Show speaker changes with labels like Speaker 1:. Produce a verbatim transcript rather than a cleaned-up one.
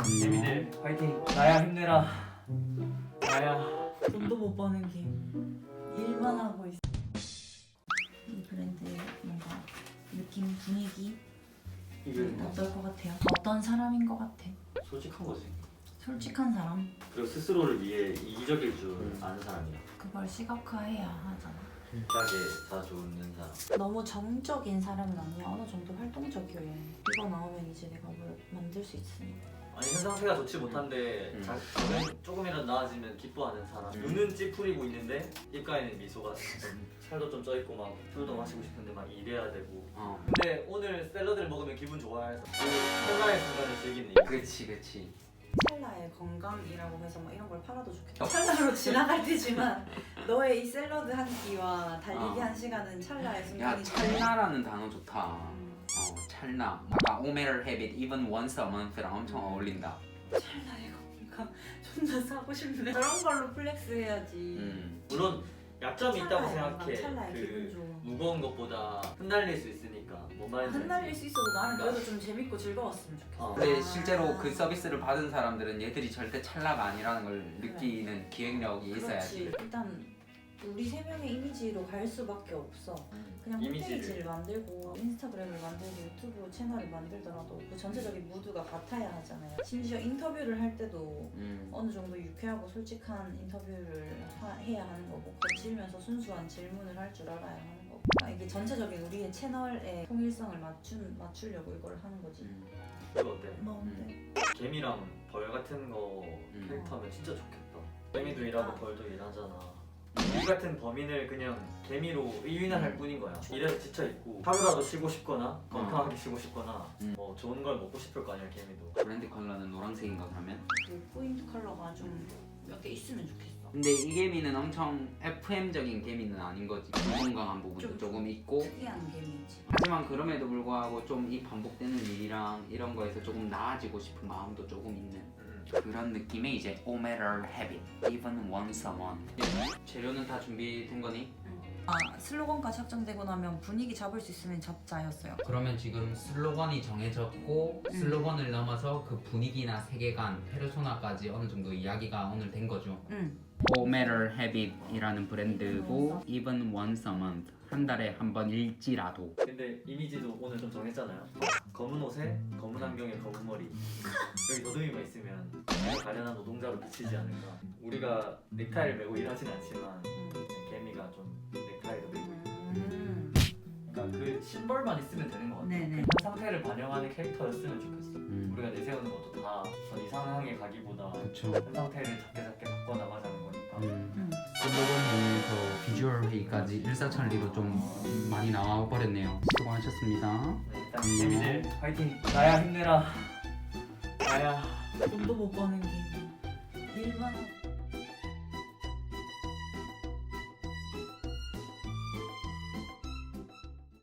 Speaker 1: 재미들 화이팅. 나야 힘내라. 나야.
Speaker 2: 돈도 못 버는 김 일만 하고 있어. 이 브랜드의 뭔가 느낌, 분위기
Speaker 1: 이게
Speaker 2: 어떨 것 같아요? 어떤 사람인 것 같아?
Speaker 1: 솔직한 거지.
Speaker 2: 솔직한 사람?
Speaker 1: 그리고 스스로를 위해 이기적일 줄
Speaker 3: 음.
Speaker 1: 아는 사람이야.
Speaker 2: 그걸 시각화해야 하잖아.
Speaker 1: 진짜게 자주 웃는 사람.
Speaker 2: 너무 정적인 사람은 아니야. 어느 정도 활동적이어야 해. 이거 나오면 이제 내가 뭘 만들 수 있으니까.
Speaker 1: 아니 현 상태가 좋지 못한데
Speaker 3: 음.
Speaker 1: 자, 조금, 조금이라도 나아지면 기뻐하는 사람.
Speaker 3: 음.
Speaker 1: 눈은 찌푸리고 있는데 입가에는 미소가 좀 살도 좀 쪄있고 막 술도 마시고 싶은데 막 일해야 되고.
Speaker 3: 어.
Speaker 1: 근데 오늘 샐러드를 먹으면 기분 좋아해서 그 찰나의 순간을 즐기는 이
Speaker 3: 그치 그치.
Speaker 2: 찰나의 건강이라고 해서 뭐 이런 걸 팔아도 좋겠다. 찰나로 지나갈 때지만 너의 이 샐러드 한 끼와 달리기
Speaker 3: 어.
Speaker 2: 한 시간은 찰나의
Speaker 3: 야
Speaker 2: 순간이.
Speaker 3: 찰나라는 단어 좋다.
Speaker 2: 음.
Speaker 3: 어 찰나. 아까 오메럴 헤빗 even once a month랑 엄청 어울린다.
Speaker 2: 찰나의 건강 존나 사고 싶네. 저런 걸로 플렉스 해야지.
Speaker 3: 음.
Speaker 1: 물론 약점이 있다고
Speaker 2: 찰나의
Speaker 1: 생각해.
Speaker 2: 건강, 찰나의 기분
Speaker 1: 그
Speaker 2: 좋아.
Speaker 1: 무거운 것보다 흩날릴 수 있으니까 뭔 말인지
Speaker 2: 흩날릴
Speaker 1: 알지?
Speaker 2: 수 있어도 나는 그래도 좀 재밌고 즐거웠으면 좋겠어.
Speaker 1: 어.
Speaker 3: 근데
Speaker 2: 아.
Speaker 3: 실제로 그 서비스를 받은 사람들은 얘들이 절대 찰나가 아니라는 걸 느끼는 기획력이
Speaker 2: 그렇지.
Speaker 3: 있어야지.
Speaker 2: 일단 우리 세 명의 이미지로 갈 수밖에 없어.
Speaker 1: 음.
Speaker 2: 그냥
Speaker 1: 이미지를.
Speaker 2: 홈페이지를 만들고 인스타그램을 만들고 유튜브 채널을 만들더라도 그 전체적인 무드가 같아야 하잖아요. 심지어 인터뷰를 할 때도
Speaker 3: 음.
Speaker 2: 어느 정도 유쾌하고 솔직한 인터뷰를 하, 해야 하는 거고 거칠면서 순수한 질문을 할 줄 알아야 하는 거고. 그러니까 이게 전체적인 우리의 채널의 통일성을 맞춘, 맞추려고 이걸 하는 거지.
Speaker 3: 음.
Speaker 1: 이거 어때?
Speaker 2: 뭔데?
Speaker 1: 개미랑 벌 같은 거
Speaker 3: 음.
Speaker 1: 캐릭터하면 진짜 좋겠다. 개미도 일하고 벌도 일하잖아. 우리 같은 범인을 그냥 개미로 의인화할 뿐인 거야. 일해서 지쳐있고 하루라도 쉬고 싶거나 건강하게 쉬고 싶거나
Speaker 3: 음.
Speaker 1: 뭐 좋은 걸 먹고 싶을 거 아니야 개미도.
Speaker 3: 브랜드 컬러는 노란색인가 그러면?
Speaker 2: 그 포인트 컬러가 좀 몇 개 있으면 좋겠어.
Speaker 3: 근데 이 개미는 엄청 에프엠적인 개미는 아닌 거지. 불건강한 부분도
Speaker 2: 좀
Speaker 3: 조금 있고.
Speaker 2: 특이한 개미지.
Speaker 3: 하지만 그럼에도 불구하고 좀 이 반복되는 일이랑 이런 거에서 조금 나아지고 싶은 마음도 조금 있는
Speaker 1: 음.
Speaker 3: 그런 느낌의 이제 오메럴 헤빗 even once a month. 재료는 다 준비된 거니?
Speaker 2: 아 슬로건까지 확정되고 나면 분위기 잡을 수 있으면 잡자였어요.
Speaker 3: 그러면 지금 슬로건이 정해졌고
Speaker 2: 음.
Speaker 3: 슬로건을 넘어서 그 분위기나 세계관, 페르소나까지 어느 정도 이야기가 오늘 된 거죠.
Speaker 2: 응.
Speaker 3: 오메럴 헤빗이라는 브랜드고 even once a month 한 달에 한 번 일지라도.
Speaker 1: 근데 이미지도 오늘 좀 정했잖아요. 검은 옷에 검은 안경에 검은 머리. 여기 더듬이가 있으면 가련한 노동자로 비치지 않을까. 우리가 넥타이를 메고 일하진 않지만 개미가 좀 넥타이도 메고 있고.
Speaker 2: 음.
Speaker 1: 그러니까 그 심벌만 있으면 되는 것 같아.
Speaker 2: 네네.
Speaker 1: 그 상태를 반영하는 캐릭터였으면 좋겠어.
Speaker 3: 음.
Speaker 1: 우리가 내세우는 것도 다 전 이상하게 가기보다
Speaker 3: 그쵸.
Speaker 1: 현 상태를 작게 작게 바꿔 나가자는 거니까.
Speaker 3: 음.
Speaker 2: 음.
Speaker 3: 슬로건 중에서 비주얼 회의까지 일사천리로 좀 많이 나와 버렸네요. 수고하셨습니다.
Speaker 1: 네, 일단
Speaker 3: 음.
Speaker 1: 재미들 화이팅. 나야 힘내라. 나야.
Speaker 2: 돈도 못 버는 김 일만 하고